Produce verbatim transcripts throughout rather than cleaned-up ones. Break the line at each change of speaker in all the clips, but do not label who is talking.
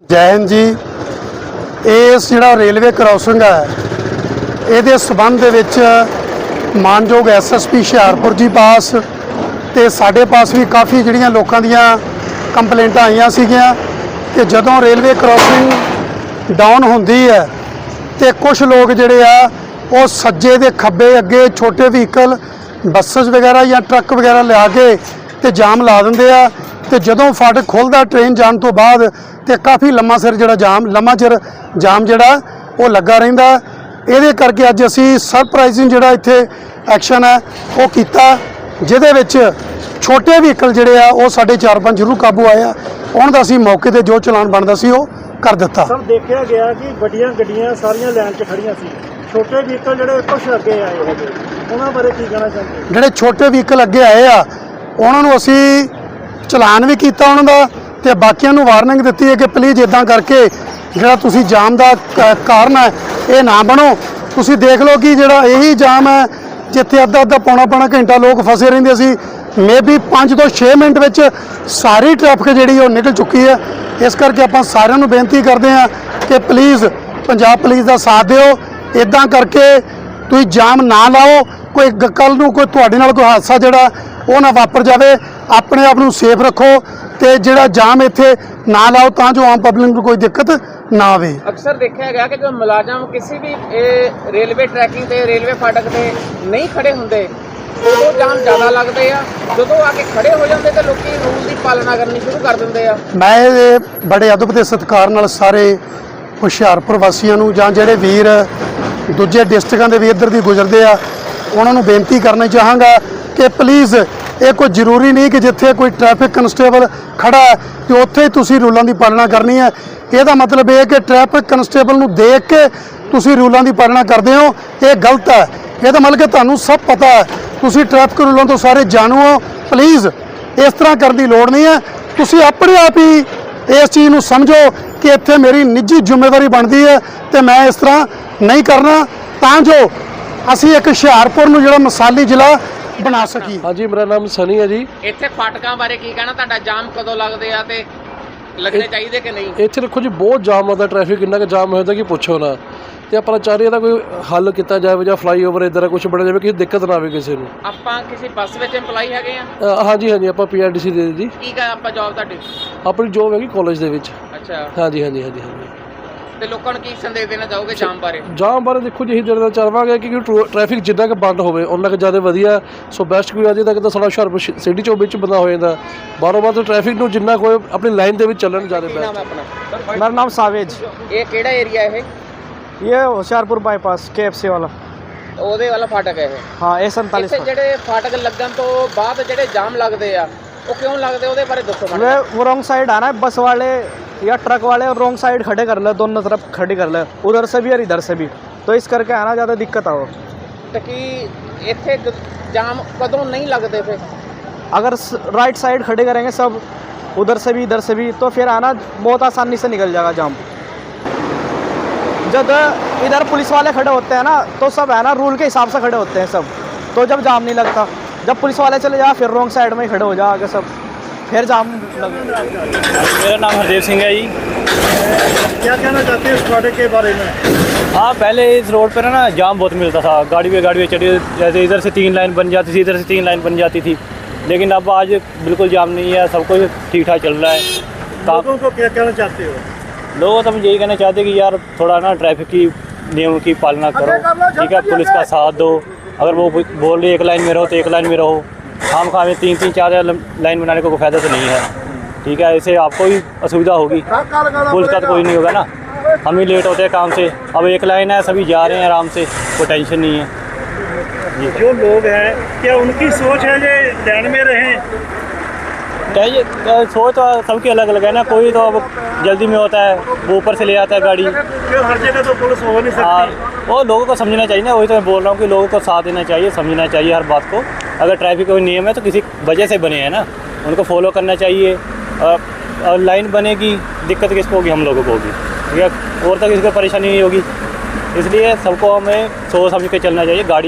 जय हिंद जी। इस जिहड़ा रेलवे क्रॉसिंग है ये संबंध दे विच मानयोग S S P Hoshiarpur ji पास ते साडे पास भी काफ़ी जिहड़ियां लोकां दियां कंप्लेंटां आईयां सीगियां कि जदों रेलवे क्रॉसिंग डाउन होंदी है तो कुछ लोग जिहड़े आ वो सज्जे दे खब्बे अगे छोटे व्हीकल बसेस वगैरह या ट्रक वगैरह लिया के ते जाम ला दिंदे आ ते जदों फाटक खुलदा ट्रेन जाने तो बाद ते काफ़ी लम्मा सिर जिहड़ा जाम लम्मा चिर जाम जिहड़ा वो लगा रहिंदा। इहदे करके अज असी सरप्राइजिंग जिहड़ा इत्थे एक्शन है वो कीता जिहदे विच छोटे व्हीकल जिहड़े आ वो साढ़े चार पाँच जरूर काबू आए आ। उन्हां दा असी मौके ते जो चलान बनदा सी वो कर दिता।
सर देखा गया कि वड्डियां गड्डियां सारियां लाइन च खड़ियां सी, छोटे व्हीकल जिहड़े कुछ अगे आए हैगे उन्हां बारे की कहना चाहते हो?
जिहड़े छोटे व्हीकल अगे आए आ उन्हां नूं असी चलान भी किया उन्हों का तो बाकियों को वार्निंग दी है कि प्लीज़ इदा करके जो तुसी जाम का कारण है ये ना बनो। तुसी देख लो कि जोड़ा यही जाम है जिथे अद्धा अद्धा पौना पौना घंटा लोग फसे रहते सी, मे बी पाँच तो छे मिनट में सारी ट्रैफिक जी निकल चुकी है। इस करके आप सारे बेनती करते हैं कि प्लीज़ पंजाब पुलिस का साथ दिओ, इदा करके तुम जाम ना लाओ, कोई कल नूं कोई तुहाडे नाल कोई हादसा जिहड़ा वो ना वापर जाए। अपने आप नूं सेफ रखो तो जिहड़ा जाम इत्थे ना लाओ तां जो आम पब्लिक को कोई दिक्कत ना आवे।
अक्सर देखा गया कि जो मुलाजम किसी भी ए, रेलवे ट्रैकिंग ते रेलवे फाटक ते नहीं खड़े होंदे उदों जाम ज़्यादा लगते हैं, जदों आके खड़े हो जाते तो लोग रूल की पालना करनी शुरू कर देंगे।
मैं बड़े अदब ते सत्कार नाल सारे हुशियारपुर वासियों नूं जां जिहड़े वीर दूजे डिस्ट्रिक्टां दे भी इधर दी गुजरदे आ उन्हां नूं बेनती करना चाहांगा कि प्लीज़ ये कोई जरूरी नहीं कि जिथे कोई ट्रैफिक कन्स्टेबल खड़ा है तो उत्थे ही तुसी रूलों की पालना करनी है। यदा मतलब यह कि ट्रैफिक कन्स्टेबल नूं देख के तुसी रूलों की पालना करते हो, ये गलत है। यदा मतलब कि तुहानूं सब पता है, तुसी ट्रैफिक रूलों तो सारे जानू हो। प्लीज़ इस तरह करने की लोड़ नहीं है। तुसी अपने आप ही इस चीज़ नूं समझो कि इत्थे मेरी निजी जिम्मेदारी बनती है तो मैं इस तरह नहीं करना तां जो असी एक हुशियारपुर नूं जिहड़ा मिसाली जिला बना सकी।
हाँ जी, मेरा नाम सनी है जी।
इत्थे फाटकां बारे की कहना तुहाडा, जाम कदों लगदे आ ते लगने चाहिए कि नहीं?
ਇੱਥੇ देखो जी बहुत जाम आता, ट्रैफिक इन्ना क जाम होता कि पुछो ना। ਤੇ ਆਪਾਂ ਚਾਹ ਰਹੇ ਇਹਦਾ ਕੋਈ ਹੱਲ ਕੀਤਾ ਜਾਵੇ ਜਾਂ ਫਲਾਈਓਵਰ ਇਧਰ ਕੁਝ ਬਣਾ ਜਾਵੇ ਕਿਸੇ ਦਿੱਕਤ ਨਾ ਆਵੇ ਕਿਸੇ ਨੂੰ।
ਆਪਾਂ ਕਿਸੇ ਬੱਸ ਵਿੱਚ EMPLOYE ਹੈਗੇ ਆ?
ਹਾਂਜੀ ਹਾਂਜੀ, ਆਪਾਂ ਪੀਆਰਡੀਸੀ ਦੇ ਜੀ।
ਕੀ ਕਾ ਆਪਾਂ ਜੌਬ ਤੁਹਾਡੀ?
ਆਪਣੀ ਜੌਬ ਹੈਗੀ ਕਾਲਜ ਦੇ ਵਿੱਚ।
ਅੱਛਾ।
ਹਾਂਜੀ ਹਾਂਜੀ ਹਾਂਜੀ ਹਾਂਜੀ।
ਤੇ ਲੋਕਾਂ ਨੂੰ ਕੀ ਸੰਦੇਸ਼ ਦੇਣਾ ਚਾਹੋਗੇ ਜਾਮ ਬਾਰੇ?
ਜਾਮ ਬਾਰੇ ਦੇਖੋ ਜੀ, ਇਹੀ ਦੇਣਾ ਚਾਹਾਂਗੇ ਕਿ ਟ੍ਰੈਫਿਕ ਜਿੰਨਾ ਕੁ ਬੰਦ ਹੋਵੇ ਉਹਨਾਂ ਕੁ ਜ਼ਿਆਦਾ ਵਧੀਆ। ਸੋ ਬੈਸਟ ਕੋਈ ਅਜੇ ਤੱਕ ਤਾਂ ਸਾਡਾ ਹੁਸ਼ਿਆਰਪੁਰ ਸਿਟੀ ਚੋਂ ਵਿੱਚ ਬੰਦਾ ਹੋ ਜਾਂਦਾ, ਬਾਰੋਂ ਬਾਰ ਟ੍ਰੈਫਿਕ ਨੂੰ ਜਿੰਨਾ ਕੋਈ ਆਪਣੀ ਲਾਈਨ ਦੇ ਵਿੱਚ ਚੱਲਣ ਜ਼ਿਆਦਾ
ਕੀ ਨਾਮ ਹੈ
ਬੈਸਟ।
ਆਪਣਾ?
मेरा नाम सावेज।
ਇਹ ਕਿਹੜਾ ਏਰੀਆ ਇਹ?
ये Hoshiarpur bypass K F C वाला।
ਉਹਦੇ ਵਾਲਾ ਫਾਟਕ ਹੈ ਇਹ?
हाँ ए सैंतालीस।
ਇੱਥੇ ਜਿਹੜੇ ਫਾਟਕ ਲੱਗਣ ਤੋਂ ਬਾਅਦ ਜਿਹੜੇ ਜਾਮ ਲੱਗਦੇ ਆ ਉਹ ਕਿਉਂ ਲੱਗਦੇ ਉਹਦੇ ਬਾਰੇ ਦੱਸੋ
वे
ਮੈਨੂੰ।
वो रॉन्ग साइड आना है, बस वाले या ट्रक वाले और रॉन्ग साइड खड़े कर ले, दोनों तरफ खड़ी कर ले, उधर से भी और इधर से भी, तो इस करके आना ज़्यादा दिक्कत आओ।
ਤੇ ਕੀ ਇੱਥੇ ਗ- ਜਾਮ कदों नहीं लगते फिर?
अगर राइट साइड खड़े करेंगे सब, उधर से भी इधर से भी, तो फिर आना बहुत आसानी से निकल जाएगा जाम। जब इधर पुलिस वाले खड़े होते हैं ना तो सब है ना रूल के हिसाब से खड़े होते हैं सब, तो जब जाम नहीं लगता। जब पुलिस वाले चले जा फिर रॉन्ग साइड में ही खड़े हो जा आगे सब, फिर जाम लगे।
मेरा नाम हरदेव सिंह है जी।
क्या कहना चाहते हैं इस प्रोडक्ट के बारे में?
हाँ, पहले इस रोड पर ना जाम बहुत मिलता था, गाड़ी पे गाड़ी पे चढ़ी, जैसे इधर से तीन लाइन बन जाती थी, इधर से तीन लाइन बन जाती थी, लेकिन अब आज बिल्कुल जाम नहीं है, सब कुछ ठीक ठाक चल रहा है।
लोगों को क्या कहना चाहते हो?
लोगों तो हम यही कहना चाहते हैं कि यार थोड़ा ना ट्रैफिक की नियमों की पालना करो, ठीक है, पुलिस का साथ दो। अगर वो बोल रही एक लाइन में रहो तो एक लाइन में रहो, खाम खा में तीन तीन चार लाइन बनाने को कोई फ़ायदा तो नहीं है, ठीक है। इससे आपको ही असुविधा होगी, पुलिस का तो कोई नहीं होगा ना, हम ही लेट होते हैं काम से। अब एक लाइन है, सभी जा रहे हैं आराम से, कोई टेंशन नहीं है।
जो लोग हैं क्या उनकी सोच है ये लाइन में रहें?
चाहिए सोच तो सबकी अलग अलग है ना, कोई तो अब जल्दी में होता है, वो ऊपर से ले आता है गाड़ी।
क्यों हर जगह तो पुलिस हो नहीं
हाँ,
सकती?
वो लोगों को समझना चाहिए ना, वही तो मैं बोल रहा हूँ कि लोगों को साथ देना चाहिए, समझना चाहिए हर बात को। अगर ट्रैफिक कोई नियम है तो किसी वजह से बने हैं ना, उनको फॉलो करना चाहिए। और लाइन बनेगी, दिक्कत किसको होगी? हम लोगों को होगी, ठीक है, और तक किसी को परेशानी नहीं होगी। इसलिए सबको हमें सोच समझ के चलना चाहिए, गाड़ी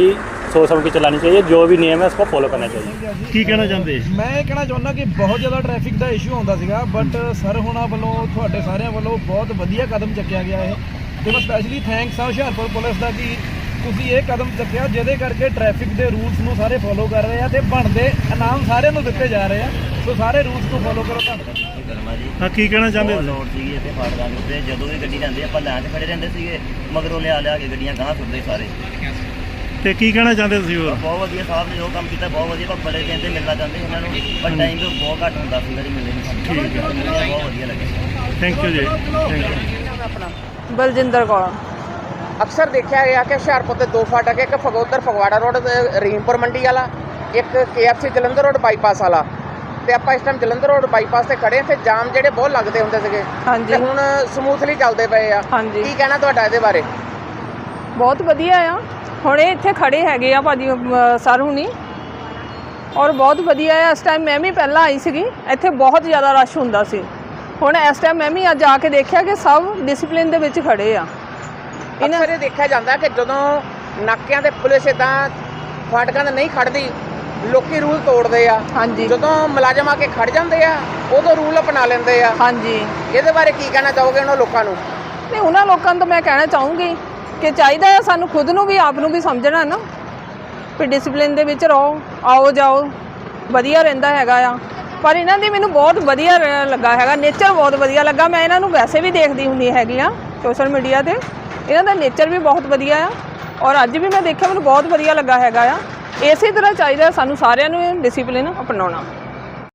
सोच समझ के चलानी चाहिए, जो भी नियम है उसको फॉलो करना चाहिए।
ਕੀ ਕਹਿਣਾ ਚਾਹੁੰਦੇ?
ਮੈਂ ਇਹ ਕਹਿਣਾ ਚਾਹੁੰਦਾ ਕਿ ਬਹੁਤ ਜ਼ਿਆਦਾ ਟ੍ਰੈਫਿਕ ਦਾ ਇਸ਼ੂ ਹੁੰਦਾ ਸੀਗਾ, ਬਟ ਸਰ ਹੁਣਾਂ ਵੱਲੋਂ ਤੁਹਾਡੇ ਸਾਰਿਆਂ ਵੱਲੋਂ ਬਹੁਤ ਵਧੀਆ ਕਦਮ ਚੱਕਿਆ ਗਿਆ ਹੈ ਤੇ ਮੈਂ ਸਪੈਸ਼ਲੀ ਥੈਂਕਸ ਆ ਹੁਸ਼ਿਆਰਪੁਰ ਪੁਲਿਸ ਦਾ ਕਿ ਤੁਸੀਂ ਇਹ ਕਦਮ ਚੱਕਿਆ ਜਿਹਦੇ ਕਰਕੇ ਟ੍ਰੈਫਿਕ ਦੇ ਰੂਲਸ ਨੂੰ ਸਾਰੇ ਫੋਲੋ ਕਰ ਰਹੇ ਆ ਤੇ ਬਣਦੇ ਇਨਾਮ ਸਾਰਿਆਂ ਨੂੰ ਦਿੱਤੇ ਜਾ ਰਹੇ ਆ। ਸੋ ਸਾਰੇ ਰੂਲਸ ਨੂੰ ਫੋਲੋ ਕਰੋ। ਧੰਨਵਾਦ।
ਕਰਮਾ ਜੀ ਹਾਂ ਕੀ ਕਹਿਣਾ ਚਾਹੁੰਦੇ ਹੋ?
ਲੋੜ ਸੀਗੀ ਇੱਥੇ ਫਾਟਕਾਂ ਦੇ ਉੱਤੇ, ਜਦੋਂ ਵੀ ਗੱਡੀ ਜਾਂਦੀ ਆਪਾਂ ਲਾਈਨ 'ਚ ਖੜੇ ਰਹਿੰਦੇ ਸੀਗੇ, ਮਗਰੋਂ ਲਿਆ ਲਿਆ ਕੇ ਗੱਡੀਆਂ ਗਾਂਹ ਸੁੱਟਦੇ ਸਾਰੇ।
ਤੇ ਕੀ ਕਹਿਣਾ ਚਾਹੁੰਦੇ ਤੁਸੀਂ ਹੋਰ?
ਬਹੁਤ ਵਧੀਆ ਸਾਹਿਬ ਨੇ ਜੋ ਕੰਮ ਕੀਤਾ, ਬਹੁਤ ਵਧੀਆ। ਪਰ ਬੜੇ ਦਿਨ ਤੇ ਮਿਲਣਾ ਚਾਹੁੰਦੇ ਇਹਨਾਂ ਨੂੰ, ਪਰ ਟਾਈਮ ਤੋਂ ਬਹੁਤ ਘੱਟ ਹੁੰਦਾ ਸੀ ਜਿਹੜੀ ਮਿਲਦੇ ਨਹੀਂ। ਠੀਕ ਹੈ, ਬਹੁਤ ਵਧੀਆ ਲੱਗਿਆ।
Thank you ji, thank you.
Baljinder Kaur.
ਅਕਸਰ ਦੇਖਿਆ ਗਿਆ ਕਿ ਹੁਸ਼ਿਆਰਪੁਰ ਦੇ ਦੋ ਫਾਟਕ, ਇੱਕ ਫਗੋਦਰ ਫਗਵਾੜਾ ਰੋਡ ਰਹੀਮਪੁਰ ਮੰਡੀ ਵਾਲਾ, ਇੱਕ K F C Jalandhar road bypass ਵਾਲਾ। ਤੇ ਆਪਾਂ ਇਸ ਟਾਈਮ ਜਲੰਧਰ ਰੋਡ ਬਾਈਪਾਸ ਤੇ ਖੜੇ ਤੇ ਜਾਮ ਜਿਹੜੇ ਬਹੁਤ ਲੱਗਦੇ ਹੁੰਦੇ ਸੀਗੇ
ਹਾਂਜੀ।
ਤੇ ਹੁਣ ਸਮੂਥਲੀ ਚੱਲਦੇ ਪਏ ਆ।
ਹਾਂਜੀ।
ਕੀ ਕਹਿਣਾ ਤੁਹਾਡਾ ਇਹਦੇ ਬਾਰੇ?
ਬਹੁਤ ਵਧੀਆ ਆ। ਹੁਣ ਇਹ ਇੱਥੇ ਖੜੇ ਹੈਗੇ ਆ ਭਾਜੀ ਸਰ ਹੁਣੀ, ਔਰ ਬਹੁਤ ਵਧੀਆ ਆ। ਇਸ ਟਾਈਮ ਮੈਂ ਵੀ ਪਹਿਲਾਂ ਆਈ ਸੀਗੀ, ਇੱਥੇ ਬਹੁਤ ਜ਼ਿਆਦਾ ਰਸ਼ ਹੁੰਦਾ ਸੀ। ਹੁਣ ਇਸ ਟਾਈਮ ਮੈਂ ਵੀ ਅੱਜ ਆ ਕੇ ਦੇਖਿਆ ਕਿ ਸਭ ਡਿਸਪਲਿਨ ਦੇ ਵਿੱਚ ਖੜੇ ਆ।
ਅਕਸਰ ਇਹ ਦੇਖਿਆ ਜਾਂਦਾ ਕਿ ਜਦੋਂ ਨਾਕਿਆਂ ਤੇ ਪੁਲਿਸ ਇਦਾਂ ਫਾਟਕਾਂ ਤੇ ਨਹੀਂ ਖੜਦੀ, ਲੋਕੀ ਰੂਲ ਤੋੜਦੇ ਆ।
ਹਾਂਜੀ।
ਜਦੋਂ ਮੁਲਾਜ਼ਮ ਆ ਕੇ ਖੜ ਜਾਂਦੇ ਆ ਉਦੋਂ ਰੂਲ ਅਪਣਾ ਲੈਂਦੇ ਆ।
ਹਾਂਜੀ।
ਇਹਦੇ ਬਾਰੇ ਕੀ ਕਹਿਣਾ ਚਾਹੋਗੇ ਉਹਨਾਂ ਲੋਕਾਂ ਨੂੰ?
ਨਹੀਂ, ਉਹਨਾਂ ਲੋਕਾਂ ਨੂੰ ਤਾਂ ਮੈਂ ਕਹਿਣਾ ਚਾਹੂੰਗੀ ਕਿ ਚਾਹੀਦਾ ਹੈ ਸਾਨੂੰ ਖੁਦ ਨੂੰ ਵੀ, ਆਪ ਨੂੰ ਵੀ ਸਮਝਣਾ ਨਾ ਵੀ ਡਿਸਪਲਿਨ ਦੇ ਵਿੱਚ ਰਹੋ, ਆਓ ਜਾਓ, ਵਧੀਆ ਰਹਿੰਦਾ ਹੈਗਾ ਆ। ਪਰ ਇਹਨਾਂ ਦੀ ਮੈਨੂੰ ਬਹੁਤ ਵਧੀਆ ਲੱਗਾ ਹੈਗਾ, ਨੇਚਰ ਬਹੁਤ ਵਧੀਆ ਲੱਗਾ। ਮੈਂ ਇਹਨਾਂ ਨੂੰ ਵੈਸੇ ਵੀ ਦੇਖਦੀ ਹੁੰਦੀ ਹੈਗੀ ਆ ਸੋਸ਼ਲ ਮੀਡੀਆ 'ਤੇ, ਇਹਨਾਂ ਦਾ ਨੇਚਰ ਵੀ ਬਹੁਤ ਵਧੀਆ ਆ। ਔਰ ਅੱਜ ਵੀ ਮੈਂ ਦੇਖਿਆ, ਮੈਨੂੰ ਬਹੁਤ ਵਧੀਆ ਲੱਗਾ ਹੈਗਾ ਆ। ਇਸੇ ਤਰ੍ਹਾਂ ਚਾਹੀਦਾ ਸਾਨੂੰ ਸਾਰਿਆਂ ਨੂੰ ਡਿਸਿਪਲਿਨ ਅਪਣਾਉਣਾ।